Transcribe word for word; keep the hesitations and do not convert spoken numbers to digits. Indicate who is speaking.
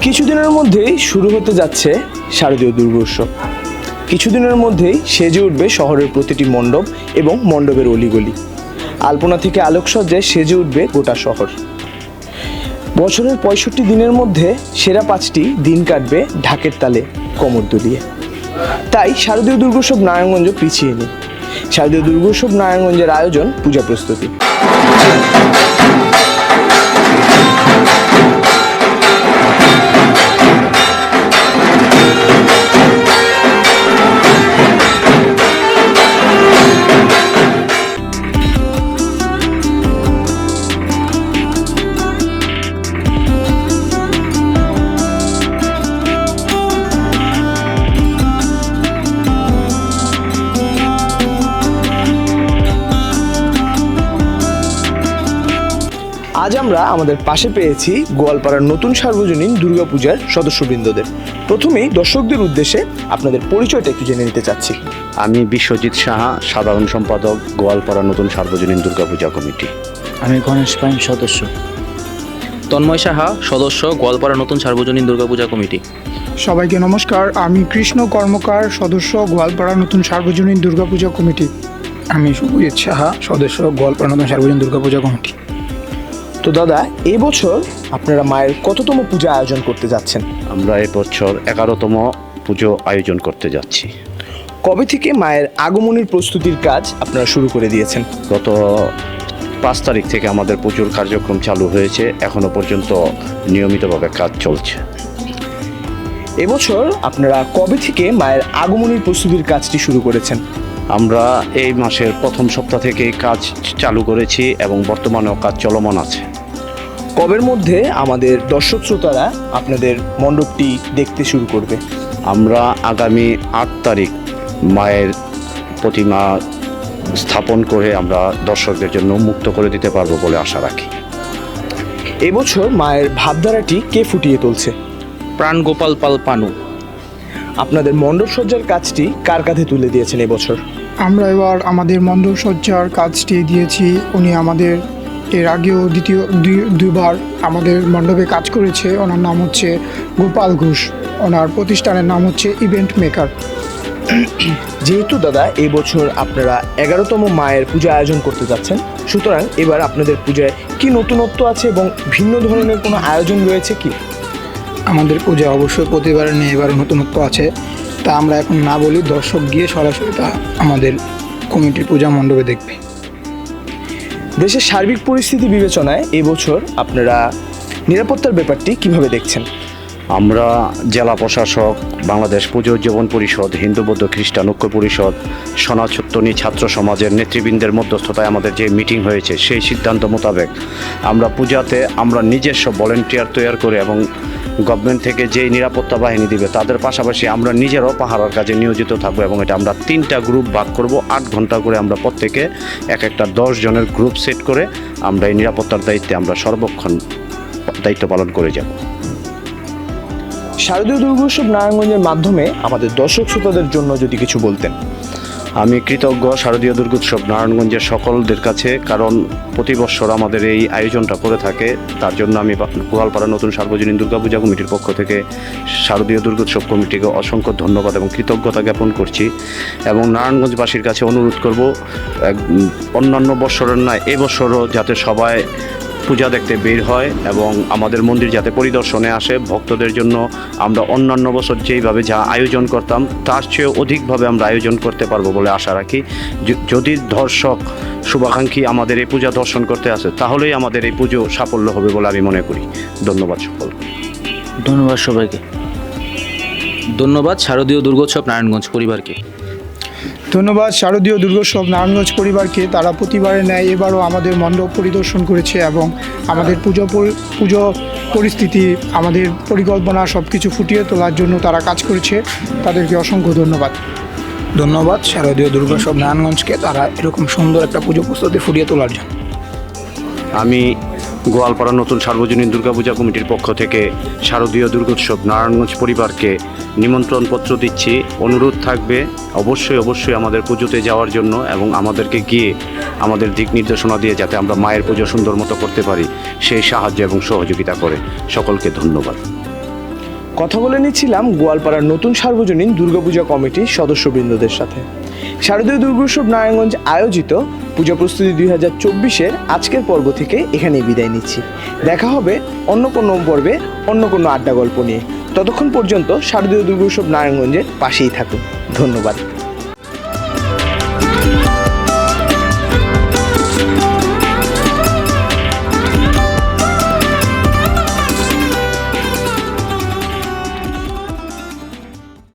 Speaker 1: কিছুদিনের মধ্যেই শুরু হতে যাচ্ছে শারদীয় দুর্গোৎসব। কিছুদিনের মধ্যেই সেজে উঠবে শহরের প্রতিটি মণ্ডপ এবং মণ্ডপের অলিগলি। আলপনা থেকে আলোকসজ্জায় সেজে উঠবে গোটা শহর। বছরের পঁয়ষট্টি দিনের মধ্যে সেরা পাঁচটি দিন কাটবে ঢাকের তালে কোমর দুলিয়ে। তাই শারদীয় দুর্গোৎসব নারায়ণগঞ্জ পিছিয়ে নেই। শারদীয় দুর্গোৎসব নারায়ণগঞ্জের আয়োজন পূজা প্রস্তুতি। আজ আমরা আমাদের পাশে পেয়েছি গোয়ালপাড়ার নতুন সার্বজনীন দুর্গাপূজার সদস্যবৃন্দদের। প্রথমেই দর্শকদের উদ্দেশ্যে আপনাদের পরিচয়টা একটু জেনে নিতে চাচ্ছি।
Speaker 2: আমি বিশ্বজিৎ সাহা, সাধারণ সম্পাদক, গোয়ালপাড়া নতুন সার্বজনীন দুর্গাপূজা কমিটি।
Speaker 3: আমি গণেশ পাইন, সদস্য।
Speaker 4: তন্ময় সাহা, সদস্য, গোয়ালপাড়া নতুন সার্বজনীন দুর্গাপূজা কমিটি।
Speaker 5: সবাইকে নমস্কার, আমি কৃষ্ণ কর্মকার, সদস্য, গোয়ালপাড়া নতুন সার্বজনীন দুর্গাপূজা কমিটি।
Speaker 6: আমি শুভজিৎ সাহা, সদস্য, গোয়ালপাড়া নতুন সার্বজনীন দুর্গাপূজা কমিটি।
Speaker 1: তো দাদা, এবছর আপনারা মায়ের কততম পূজা আয়োজন করতে যাচ্ছেন?
Speaker 2: আমরা এবছর এগারোতম পুজো আয়োজন করতে যাচ্ছি।
Speaker 1: কবে থেকে মায়ের আগমনের প্রস্তুতির কাজ আপনারা শুরু করে দিয়েছেন?
Speaker 2: গত পাঁচ তারিখ থেকে আমাদের পুজোর কার্যক্রম চালু হয়েছে, এখনো পর্যন্ত নিয়মিতভাবে কাজ চলছে।
Speaker 1: এবছর আপনারা কবে থেকে মায়ের আগমনের প্রস্তুতির কাজটি শুরু করেছেন?
Speaker 2: আমরা এই মাসের প্রথম সপ্তাহ থেকে কাজ চালু করেছি এবং বর্তমানেও কাজ চলমান আছে।
Speaker 1: কবের মধ্যে আমাদের দর্শক শ্রোতারা আপনাদের মণ্ডপটি দেখতে শুরু করবে?
Speaker 2: আমরা আগামী আট তারিখ মায়ের প্রতিমা স্থাপন করে আমরা দর্শকদের জন্য মুক্ত করে দিতে পারবো বলে আশা রাখি।
Speaker 1: এবছর মায়ের ভাবধারাটি কে ফুটিয়ে তুলছে?
Speaker 4: প্রাণ গোপাল পাল পানু।
Speaker 5: আপনাদের মণ্ডপ সজ্জার কাজটি কার কাঁধে তুলে দিয়েছেন এবছর? আমরা এবার আমাদের মণ্ডপ সজ্জার কাজটি দিয়েছি, উনি আমাদের এর আগেও দ্বিতীয় দুইবার আমাদের মণ্ডপে কাজ করেছে। ওনার নাম হচ্ছে গোপাল ঘোষ, ওনার প্রতিষ্ঠানের নাম হচ্ছে ইভেন্ট মেকার।
Speaker 1: যেহেতু দাদা এবছর আপনারা এগারোতম মায়ের পূজা আয়োজন করতে যাচ্ছেন, সুতরাং এবার আপনাদের পূজায় কি নতুনত্ব আছে এবং ভিন্ন ধরনের কোনো আয়োজন রয়েছে কি?
Speaker 6: আমাদের পূজা অবশ্যই প্রতিবারের নিয়ে এবার নতুনত্ব আছে, তা আমরা এখন না বলি, দর্শক গিয়ে সরাসরি তা আমাদের কমিটির পূজা মণ্ডপে দেখবে।
Speaker 1: দেশের সার্বিক পরিস্থিতি বিবেচনায় এবছর আপনারা নিরাপত্তার ব্যাপারটি কিভাবে দেখছেন?
Speaker 2: আমরা জেলা প্রশাসক, বাংলাদেশ পুজো উদযাপন পরিষদ, হিন্দু বৌদ্ধ খ্রিস্টান ঐক্য পরিষদ, সনাতনী ছাত্র সমাজের নেতৃবৃন্দের মধ্যস্থতায় আমাদের যে মিটিং হয়েছে, সেই সিদ্ধান্ত মোতাবেক আমরা পূজাতে আমরা নিজস্ব ভলেন্টিয়ার তৈরি করে এবং গভর্নমেন্ট থেকে যেই নিরাপত্তা বাহিনী দিবে তাদের পাশাপাশি আমরা নিজেরাও পাহারার কাজে নিয়োজিত থাকবো এবং এটা আমরা তিনটা গ্রুপ ভাগ করব। আট ঘন্টা করে আমরা প্রত্যেকে এক একটা দশ জনের গ্রুপ সেট করে আমরা এই নিরাপত্তার দায়িত্বে আমরা সর্বক্ষণ দায়িত্ব পালন করে যাব।
Speaker 1: শারদীয় দুর্গোৎসব নারায়ণগঞ্জের মাধ্যমে আমাদের দর্শক শ্রোতাদের জন্য যদি কিছু বলতেন।
Speaker 2: আমি কৃতজ্ঞ শারদীয় দুর্গোৎসব নারায়ণগঞ্জের সকলদের কাছে, কারণ প্রতি বছর আমাদের এই আয়োজনটা করে থাকে। তার জন্য আমি গোয়ালপাড়া নতুন সার্বজনীন দুর্গাপূজা কমিটির পক্ষ থেকে শারদীয় দুর্গোৎসব কমিটিকে অসংখ্য ধন্যবাদ এবং কৃতজ্ঞতা জ্ঞাপন করছি এবং নারায়ণগঞ্জবাসীর কাছে অনুরোধ করব অন্যান্য বছরের নয় এবছরও যাতে সবাই পূজা দেখতে বের হয় এবং আমাদের মন্দির যাতে পরিদর্শনে আসে। ভক্তদের জন্য আমরা অন্যান্য বছর যেইভাবে যা আয়োজন করতাম তার চেয়েও অধিকভাবে আমরা আয়োজন করতে পারবো বলে আশা রাখি। যদি দর্শক শুভাকাঙ্ক্ষী আমাদের এই পূজা দর্শন করতে আসে তাহলেই আমাদের এই পুজো সাফল্য হবে বলে আমি মনে করি। ধন্যবাদ সকল।
Speaker 3: ধন্যবাদ সবাইকে।
Speaker 4: ধন্যবাদ শারদীয় দুর্গোৎসব নারায়ণগঞ্জ পরিবারকে।
Speaker 5: ধন্যবাদ শারদীয় দুর্গোৎসব নারায়ণগঞ্জ পরিবারকে। তারা প্রতিবারের ন্যায় এবারও আমাদের মণ্ডপ পরিদর্শন করেছে এবং আমাদের পুজো পুজো পরিস্থিতি, আমাদের পরিকল্পনা সব কিছু ফুটিয়ে তোলার জন্য তারা কাজ করেছে। তাদেরকে অসংখ্য ধন্যবাদ।
Speaker 6: ধন্যবাদ শারদীয় দুর্গোৎসব নারায়ণগঞ্জকে, তারা এরকম সুন্দর একটা পুজো প্রস্তুতি ফুটিয়ে তোলার জন্য।
Speaker 2: আমি গোয়ালপাড়া নতুন সার্বজনীন দুর্গাপূজা কমিটির পক্ষ থেকে শারদীয় দুর্গোৎসব নারায়ণগঞ্জ পরিবারকে নিমন্ত্রণ পত্র দিচ্ছি। অনুরোধ থাকবে অবশ্যই অবশ্যই আমাদের পুজোতে যাওয়ার জন্য এবং আমাদেরকে গিয়ে আমাদের দিক নির্দেশনা দিয়ে যাতে আমরা মায়ের পুজো সুন্দর মতো করতে পারি সেই সাহায্য এবং সহযোগিতা করে। সকলকে ধন্যবাদ।
Speaker 1: কথা বলে নিচ্ছিলাম গোয়ালপাড়ার নতুন সার্বজনীন দুর্গাপূজা কমিটির সদস্যবৃন্দদের সাথে। শারদীয় দুর্গোৎসব নারায়ণগঞ্জ আয়োজিত পূজা প্রস্তুতি দুই হাজার চব্বিশের আজকের পর্ব থেকে এখানেই বিদায় নিচ্ছি। দেখা হবে অন্য কোনো পর্বে অন্য কোনো আড্ডা গল্প নিয়ে। ততক্ষণ পর্যন্ত শারদীয় দুর্গোৎসব নারায়ণগঞ্জের পাশেই থাকুন। ধন্যবাদ।